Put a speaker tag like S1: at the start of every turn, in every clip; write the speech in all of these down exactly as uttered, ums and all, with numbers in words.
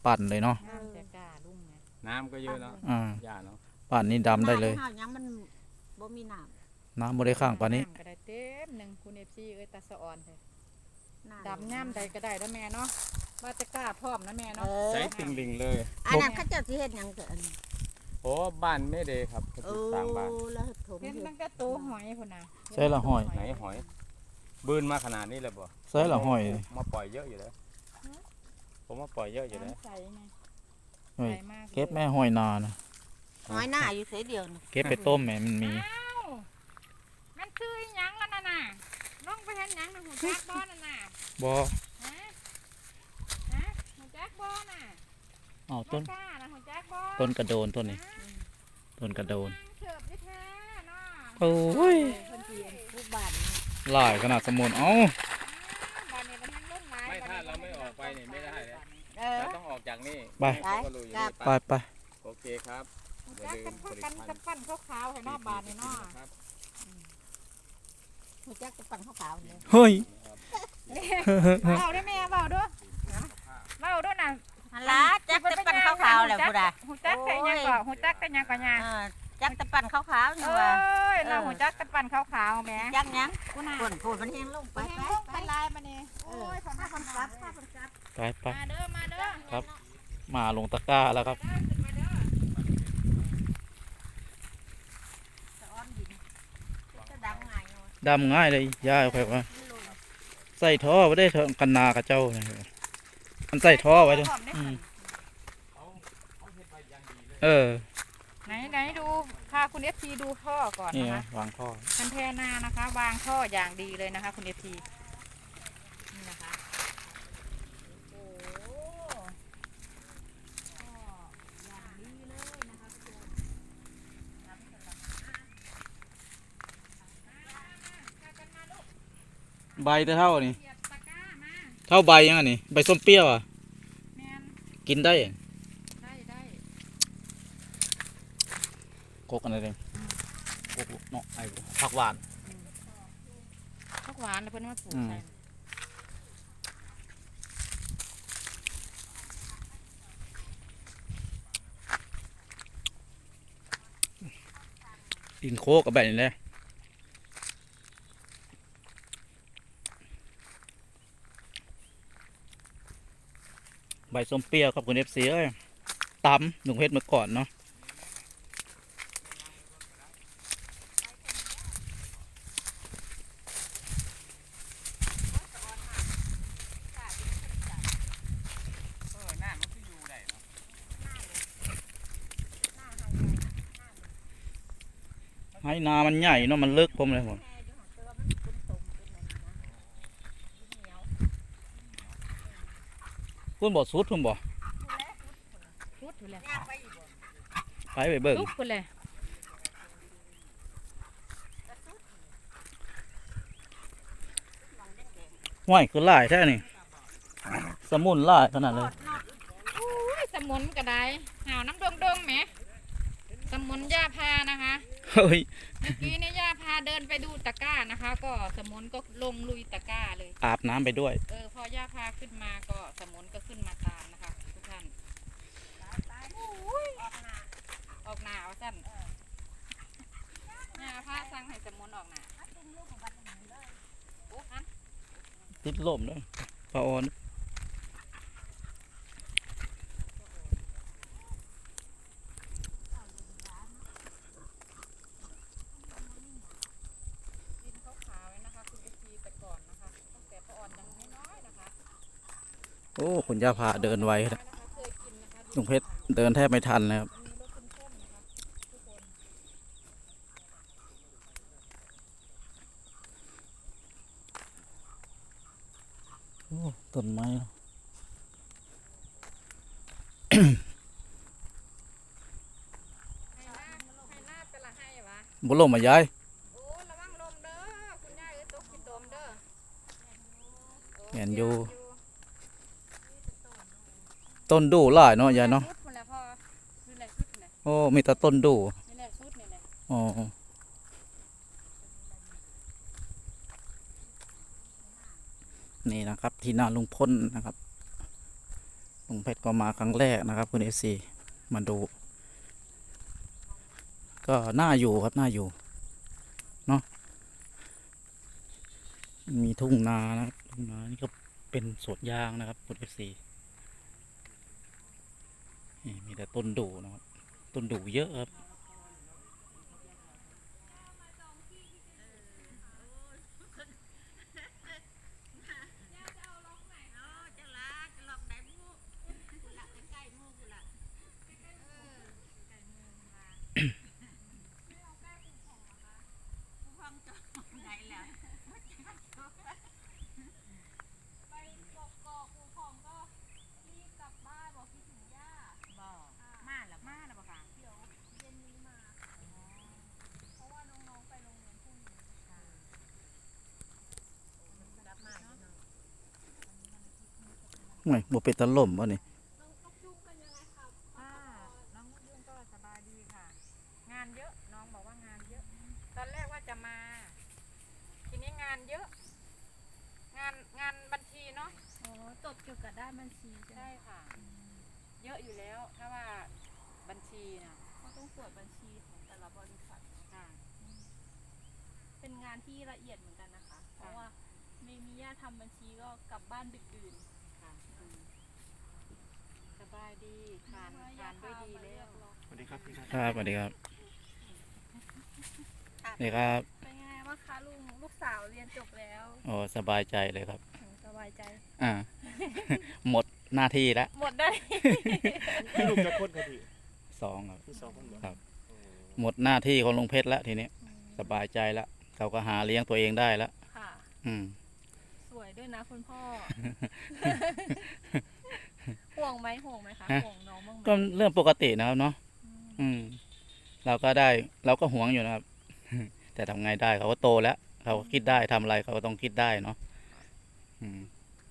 S1: ปั่นเลยเนาะ
S2: น้ำจะกล้าลุ่มไง
S3: น้ำก็เยอะเนาะ
S1: อ่า
S3: หญ้าเนาะ
S1: ปั่นนี่ดำได้เลย
S4: หน้ายังมันบ่มีน้ำ
S1: น้ำบ่ได้ข้างปานนี้
S2: ำก็ได้เต็มหนึ่งคุณเอฟซีเอ้ยตาสะออนเลย
S4: หน้า
S2: ดำย่ำใดก็ได้แล้วแม่เนาะว่าจะกล้าพร้อมนะแม่
S4: เอ
S2: เนาะ
S4: อ
S3: ใช้ติงลิงเลย
S4: อันนั้นเขาเจ้าสิเฮ็ดหยังเกิน
S3: โอ้บ้านไม่เดครับเขา
S4: โอ้
S3: สร้างบ้าน
S4: แล้วถม
S2: เห็น
S4: เฮ็ด
S2: ตั้งแต่ตัวหอยพุ่นน่ะ
S1: ใช่ละหอย
S3: ไหนหอยบืนมาขนาดนี้เลยบ่
S1: ใส่ละหอย
S3: มาปล่อยเยอะอยู่แล้วผมมาปล่อยเยอะอยู่แล้ว
S2: น้ำใสไง
S1: เฮ้ย
S2: ใสมากลย
S1: เก็บแม่หอยนานะ
S4: หอยหน้าอยู่เสียเดียวนี่
S1: เก็บไปต้มแม่มันมี
S2: อ้าวมันคืออีหยังแล้วน่ะน่ะลงไปเห็นหยังนะหูจักบ่นั่นน่ะ
S1: บ่
S2: ฮะฮะหูจักบ่น่ะ
S1: เอาต้น
S2: บ่กล้านะหูจักบ่
S1: ต้นกระโดนต้นนี้ต้นกระโดน
S2: เสิร์ฟอยู่แท้เนาะ
S1: โอ้ย
S4: เพิ่นสิปลูกบ้านนี่
S1: หลายขนาดสมุนเอ้า
S2: บ้านนี้มันยังลงหลาย
S3: ไม่ถ้าเราไม่ออกไปนี่ไม่ได้เลย
S4: เออ
S3: เราต้องออกจากนี่
S1: ไป
S3: เขาก็รู้อยู่นี่
S1: ไปไป
S3: โอเคครับอย่า
S2: จัก
S3: ลื
S2: กั
S3: ม
S2: น
S3: ผลิต
S2: กัน
S3: ภัณ
S2: กัน
S3: ฑ์
S2: ปั้นขาวๆให้เนอกบ้านนี่เนาะ
S3: ครับ
S4: หูจักจะปั่นขาวๆนี่
S1: เฮ้ย
S2: เบาด้วยแม่เบาด้วยเบาด้วยน่ะ
S4: ฮัลโหลจักจะปั่นขาวๆแหละพุ่นน่ะ
S2: หูจักแต่ยังก่อหูจักแต่ยังก่อยัง
S4: เออจักจะปั่นขาวๆนี่
S2: เอ้
S4: ว่า
S2: ยเราหูจักแต่ปั้นขาวๆแม่
S4: จักหยัง
S2: กูน่ะ
S4: ฝนฝนมันแห้งลงไป
S2: ไป
S4: ไป
S2: ไป
S4: ไป
S2: ลายมานี่โอ้ย
S4: ถ้าคนกลับถ้าคนกลับ
S1: ไปไป
S2: มาเด้อมาเด้อ
S1: ครับ มาลงตะกร้าแล้วครับ
S2: มาเด้อ
S4: สะอ้อนดินจะดำง่ายเนาะ
S1: ดำง่ายเลยย่าเอาไปว่า
S4: มันลง
S1: ใส่ท่อไว้ได้เถอะกันนากับเจ้าเนี่ยมันใส่ท่อไว้ด้วยอืมเออ
S2: ไหนไหนดูพาคุณเอฟซีดูท่อก่อน
S1: นี่
S2: นะ
S1: ไง
S2: คะ
S1: วางท่อ
S2: คันเทนานะคะ วางท่ออย่างดีเลยนะคะ คุณเอฟซีนี่นะคะโอ้โหท่ออย่างดีเลยนะคะทุกคนน้ำสลับมากันมาลูก
S1: ใบจะเท่านี่
S2: เหยียบตะกร้ามา
S1: เท่าใบยังไงนี่ใบส้มเปรี้ยวอ่ะ
S2: แมน
S1: กินได้
S2: ได้ได้
S1: กกอะไรเองกกเนาะไอ้ผักหวาน
S2: ผักหวานแล้วเพิ่นมาปลูก
S1: อืม
S2: ใส่
S1: กินโคกกับแบบนี้เลยใบส้มเปรี้ยวครับคุณเอฟซีเอ้ยตำหนุ่มเพชรเมื่อก่อนเนาะให้นามันใหญ่เนาะมันลึกผมเลยผมพุ่นบ่สุดพุ่นบ่
S2: ทุดอยู่เลย
S1: ไปไปเบิ่ง
S2: ทุกคนเลย
S1: ห้วยคือหลายแท้นี่สมุนหลายขนาดเลย
S2: อุ้ยสมุนกระไดหาวน้ำดงดงๆแหมสมุนย่าพานะคะ
S1: เฮ้ย
S2: เมื่อกี้เนี่ยย่าพาเดินไปดูตะกร้านะคะ ก็สมุนก็ลงลุยตะกร้าเลย
S1: อาบน้ำไปด้วย
S2: เออพอย่าพาขึ้นมาก็สมุนก็ขึ้นมาตามนะคะ ทุกท่านอุ้ยออกหนาว่าสั้นย่าพาสั่งให้สมุนออกหนาโอ้อัน
S1: ติดลมด้วยปลาออนโอ้คุณย่าพาเดินไวนะลุงเพชรเดินแทบไม่ทันเลยครับโอ้ต้นไม้เนาะ
S2: ให้หน้าให้หน้าเป็นละให้วะ
S1: บุลมมายาย
S2: โอ้ระวังลมเด้อคุณยายเอ้ยตกขี้ตมเด้อ
S1: เห็นอยู่ต้นดูหลายเนาะยายเนาะ
S2: ชุดพุ่นแหละพ่อนี่แหละชุดนี่แหละ
S1: โอ้มีแต่ต้นดู
S2: นี่แหละชุดนี่แหละ
S1: อ๋อนี่นะครับ ที่นาลุงพลนะครับ บลุงเพชรก็มาครั้งแรกนะครับคุณเอฟซีมาดู ก็น่าอยู่ครับน่าอยู่เนาะมีทุ่งนานะครับทุ่งนานี่ก็เป็นสวนยางนะครับคุณเอฟซีนี่มีแต่ต้นดูนะครับต้นดูเยอะครับ
S4: จะลาจะหลอกได้มูกูละใกล้ๆมูกูละเออใกล้มูมาไม่เอาแก้ปูผ่องเหรอคะปูผ่องจอได้แล้วไปกกอกปูผ่องก็รีบกลับบ้านบอกคิดถึงย่าบอกมาแล้วมาแล้วบอกค่ะเดี๋ยวเย็นนี้มาเพราะว่าน้องๆไปโรงเรียนพรุ่งนี้กลับมาเนาะ
S1: ไม่บ่เป็นตะล่มวะนี่
S4: น้องนกยุงเป็นยังไงคะ
S2: ค่ะน้องยุ่งก็สบายดีค่ะ งานเยอะน้องบอกว่างานเยอะ ตอนแรกว่าจะมา ทีนี้งานเยอะ งานงานบัญชีเนาะ
S4: อ๋อจบเกี่ยวกับด้านบัญชีใช่ไหม
S2: ใช่ค่ะ เยอะอยู่แล้ว ถ้าว่าบัญชีนะ
S4: เขาต้องตรวจบัญชีของแต่ละบริษัท
S2: ค่ะ
S4: เป็นงานที่ละเอียดเหมือนกันนะคะ เพราะว่าไม่มีญาติทำบัญชีก็กลับบ้านดึกดื่น
S2: ค่ะอืมสบายดีทานทานด้วยดีแล้ว
S3: สวัสดีครับพี่ครับ
S1: ครับสวัสดีครับนี่ครับ
S4: เป็นยังไงบ้างคะลุงลูกสาวเรียนจบแล้ว
S1: โอ้สบายใจเลยครับ
S4: อืมสบายใจ
S1: อ่า หมดหน้าที่แล้ว
S4: หมดได้
S3: พี่ลูกจะพ้นคดี
S1: สองครับ
S3: พี่สองคนเหรอ
S1: ครับ หมดหน้าที่ของลุงเพชรแล้วทีนี้สบายใจแล้วเขาก็หาเลี้ยงตัวเองได้แล้ว
S4: ค่ะ
S1: อืม
S4: สวยด้วยนะคุณพ่อ ห่วงไหมห่วงไหมคะ
S1: ฮะ
S4: ห่วงน้องบ้างไหม
S1: ก็เรื่องปกตินะครับเนาะ
S4: อืม
S1: อืม เราก็ได้เราก็หวงอยู่นะครับ แต่ทำไงได้เขาก็โตแล้ว เขาก็คิดได้ทำอะไรเขาก็ต้องคิดได้เนาะอืม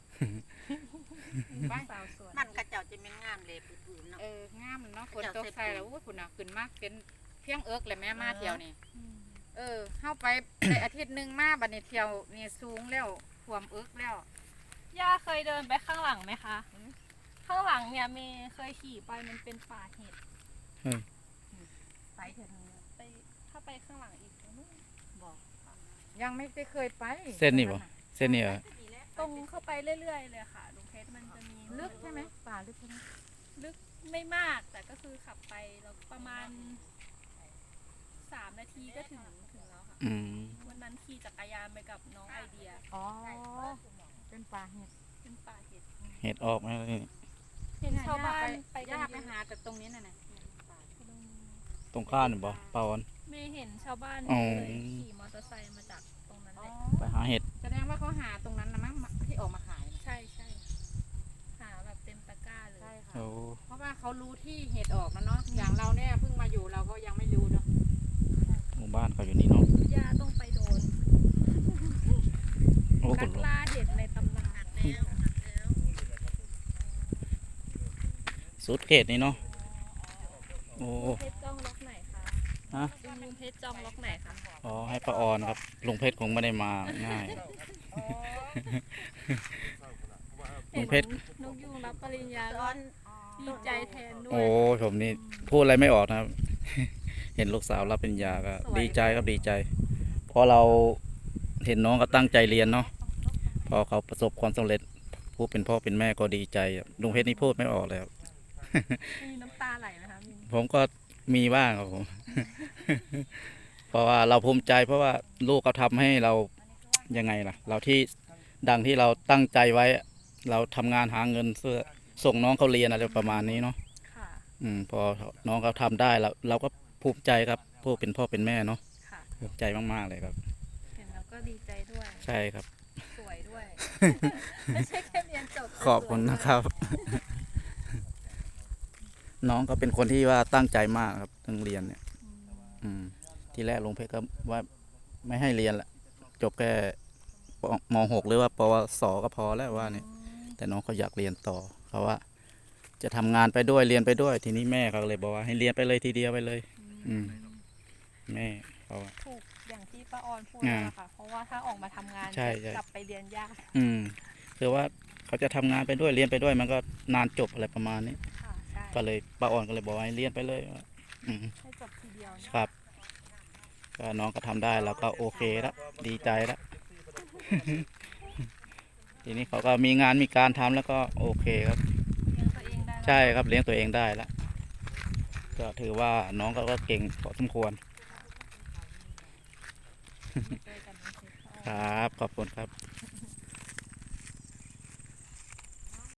S2: บ้า
S4: สาวสวย
S5: มันกระเจ้าจะเป็นงามเลยปืนๆเนาะ
S2: เอองามเนาะฝนตกใส่แล้วอู้คุณน่ะขึ้นมากเป็นเพียงเอิกเลยแม่มาเที่ยวนี่
S4: อืม
S2: เออเข้าไป ในอาทิตย์หนึ่งมาบัดนี้เที่ยวนี่สูงแล้วท่วมเอิกแล้ว
S4: ย่าเคยเดินไปข้างหลังไหมคะ ข้างหลังเนี่ยเมย์เคยขี่ไปมันเป็นป่าเห็ด
S5: ไปเถอะนึง
S4: ไปถ้าไปข้างหลังอีกตรงนู้น
S5: บอก
S2: ยังไม่ได้เคยไป
S1: เส้นนี่บ่ เส้นนี้เหรอ
S5: นี่แหละ
S4: ตรงเข้าไปเรื่อยๆเลยค่ะลุงเพชรมันจะมี
S2: ลึกใช่ไหมป่าลึกใช่ไหม
S4: ลึกไม่มากแต่ก็คือขับไปแล้วประมาณสามนาทีก็ถึงถึงแล้วค่ะ
S1: อืม
S4: วันนั้นขี่จักรยานไปกับน้องไอเดีย
S2: อ๋อเป็นป่าเห็ด
S4: เป็นป่าเห็ด
S1: เห็ดออกไหมนี่
S4: เห็นชาวบ้านไปกัน
S2: ย่า
S4: เย
S2: ไป
S4: อะ
S2: หาแต่ตรงนี้น่ะนะ
S1: ตรงข้ามนี่บ่เปล่าวัน
S4: เมย์เห็นชาวบ้าน
S1: อ๋อ
S4: เลยขี่มอเตอร์ไซค์มาจากตรงนั้น
S2: อ๋
S4: เล
S2: อย
S1: ไปหาเห็ด
S2: แสดงว่าเขาหาตรงนั้นนะมั้งที่ออกมาขายนะ
S4: ใช่ใช่หาแบบเต็มตะกร้าเลย
S2: ใช่ค่ะ
S1: โอ้
S2: เพราะว่าเขารู้ที่เห็ดออกแล้วเนาะอย่างเราเนี่ยเพิ่งมาอยู่เราก็ยังไม่รู้เนาะ
S1: หมู่บ้านเขาอยู่นี่เนาะ
S4: ย่าต้องไปโดน
S1: โอ้คุ
S4: นั
S1: ณ
S4: ก
S1: ลุง
S4: ล่าเห็ดในตำนาน
S1: สุดเขตนี่เนาะ โอ้
S4: เพชรจ้องล็อกไหนคะ
S1: ฮะ
S4: ลุงเพชรจ้องล็อกไหนคะ
S1: อ๋อให้ป้าออนครับ ลุงเพชรคงไม่ได้มาง่าย ลุงเพชร
S4: นกยุงรับปริญญา
S5: ต
S4: ก็
S5: อน
S4: ดีใจแทนด้ว
S1: โอ้
S4: ย
S1: ผมนี่พูดอะไรไม่ออกนะครับ เห็นลูกสาวรับปริญญาก็ดีใจครับดีใจ เพราะเราเห็นน้องก็ตั้งใจเรียนเนาะ พอเขาประสบความสำเร็จ ผู้เป็นพ่อเป็นแม่ก็ดีใจครับลุงเพชรนี่พูดไม่ออกเลยครับ
S4: มีน้ำตาไหลไหมคะมี
S1: ผมก็มีบ้างครับผม เพราะว่าเราภูมิใจเพราะว่าลูกเขาทำให้เรายังไงล่ะ เราที่ดังที่เราตั้งใจไว้ เราทำงานหาเงินเพื่อส่งน้องเขาเรียนอะไรประมาณนี้เนาะ
S4: ค่ะ
S1: อืมพอน้องเขาทำได้เราเราก็ภูมิใจครับผู้เป็นพ่อเป็นแม่เนาะ
S4: ค่ะ
S1: ภูมิใจมากๆเลยครับ
S4: เห็นแล้วก็ดีใจด้วย
S1: ใช่ครับ
S4: สวยด้วย ไม่ใช่แค่เรียนจบ
S1: ขอบคุณนะครับ น้องก็เป็นคนที่ว่าตั้งใจมากครับเรื่องเรียนเนี่ย อืม ที่แรกลุงเพชรก็ว่าไม่ให้เรียนละจบแค่ปมหกหรือว่าปวสก็พอแล้วว่าเนี่ย แต่น้องเขาอยากเรียนต่อเขาว่า จะทำงานไปด้วยเรียนไปด้วย ทีนี้แม่เขาเลยบอกว่าให้เรียนไปเลยทีเดียวไปเลย อืม แม่เขาว่า
S4: ถูกอย่างที่ป้าออนพูด
S1: อ่า
S4: นั่นแหละค่ะ เพราะว่าถ้าออกมาทำงาน
S1: ใช่ใช่
S4: กลับไปเรียนยาก
S1: อืมคือว่าเขาจะทำงานไปด้วยเรียนไปด้วยมันก็นานจบอะไรประมาณนี้
S4: ค่ะใช่
S1: ก็เลยป้าอ่อนก็เลยบอกให้เรียนไปเลยอืม
S4: ให้จบทีเดียวเนอะ
S1: ครับก็น้องก็ทำได้เราก็โอเคแล้วดีใจแล้ว ทีนี้เขาก็มีงานมีการทำแล้วก็โอเคครับ
S4: เลี้ยงตัวเองได้แล้ว
S1: ใช่ครับเลี้ยงตัวเองได้แล้วก็ถือว่าน้องก็ก็เก่งพอสมควร
S4: ช่วยกันเลี้ยงเสร็จ
S1: ครับขอบคุณครับ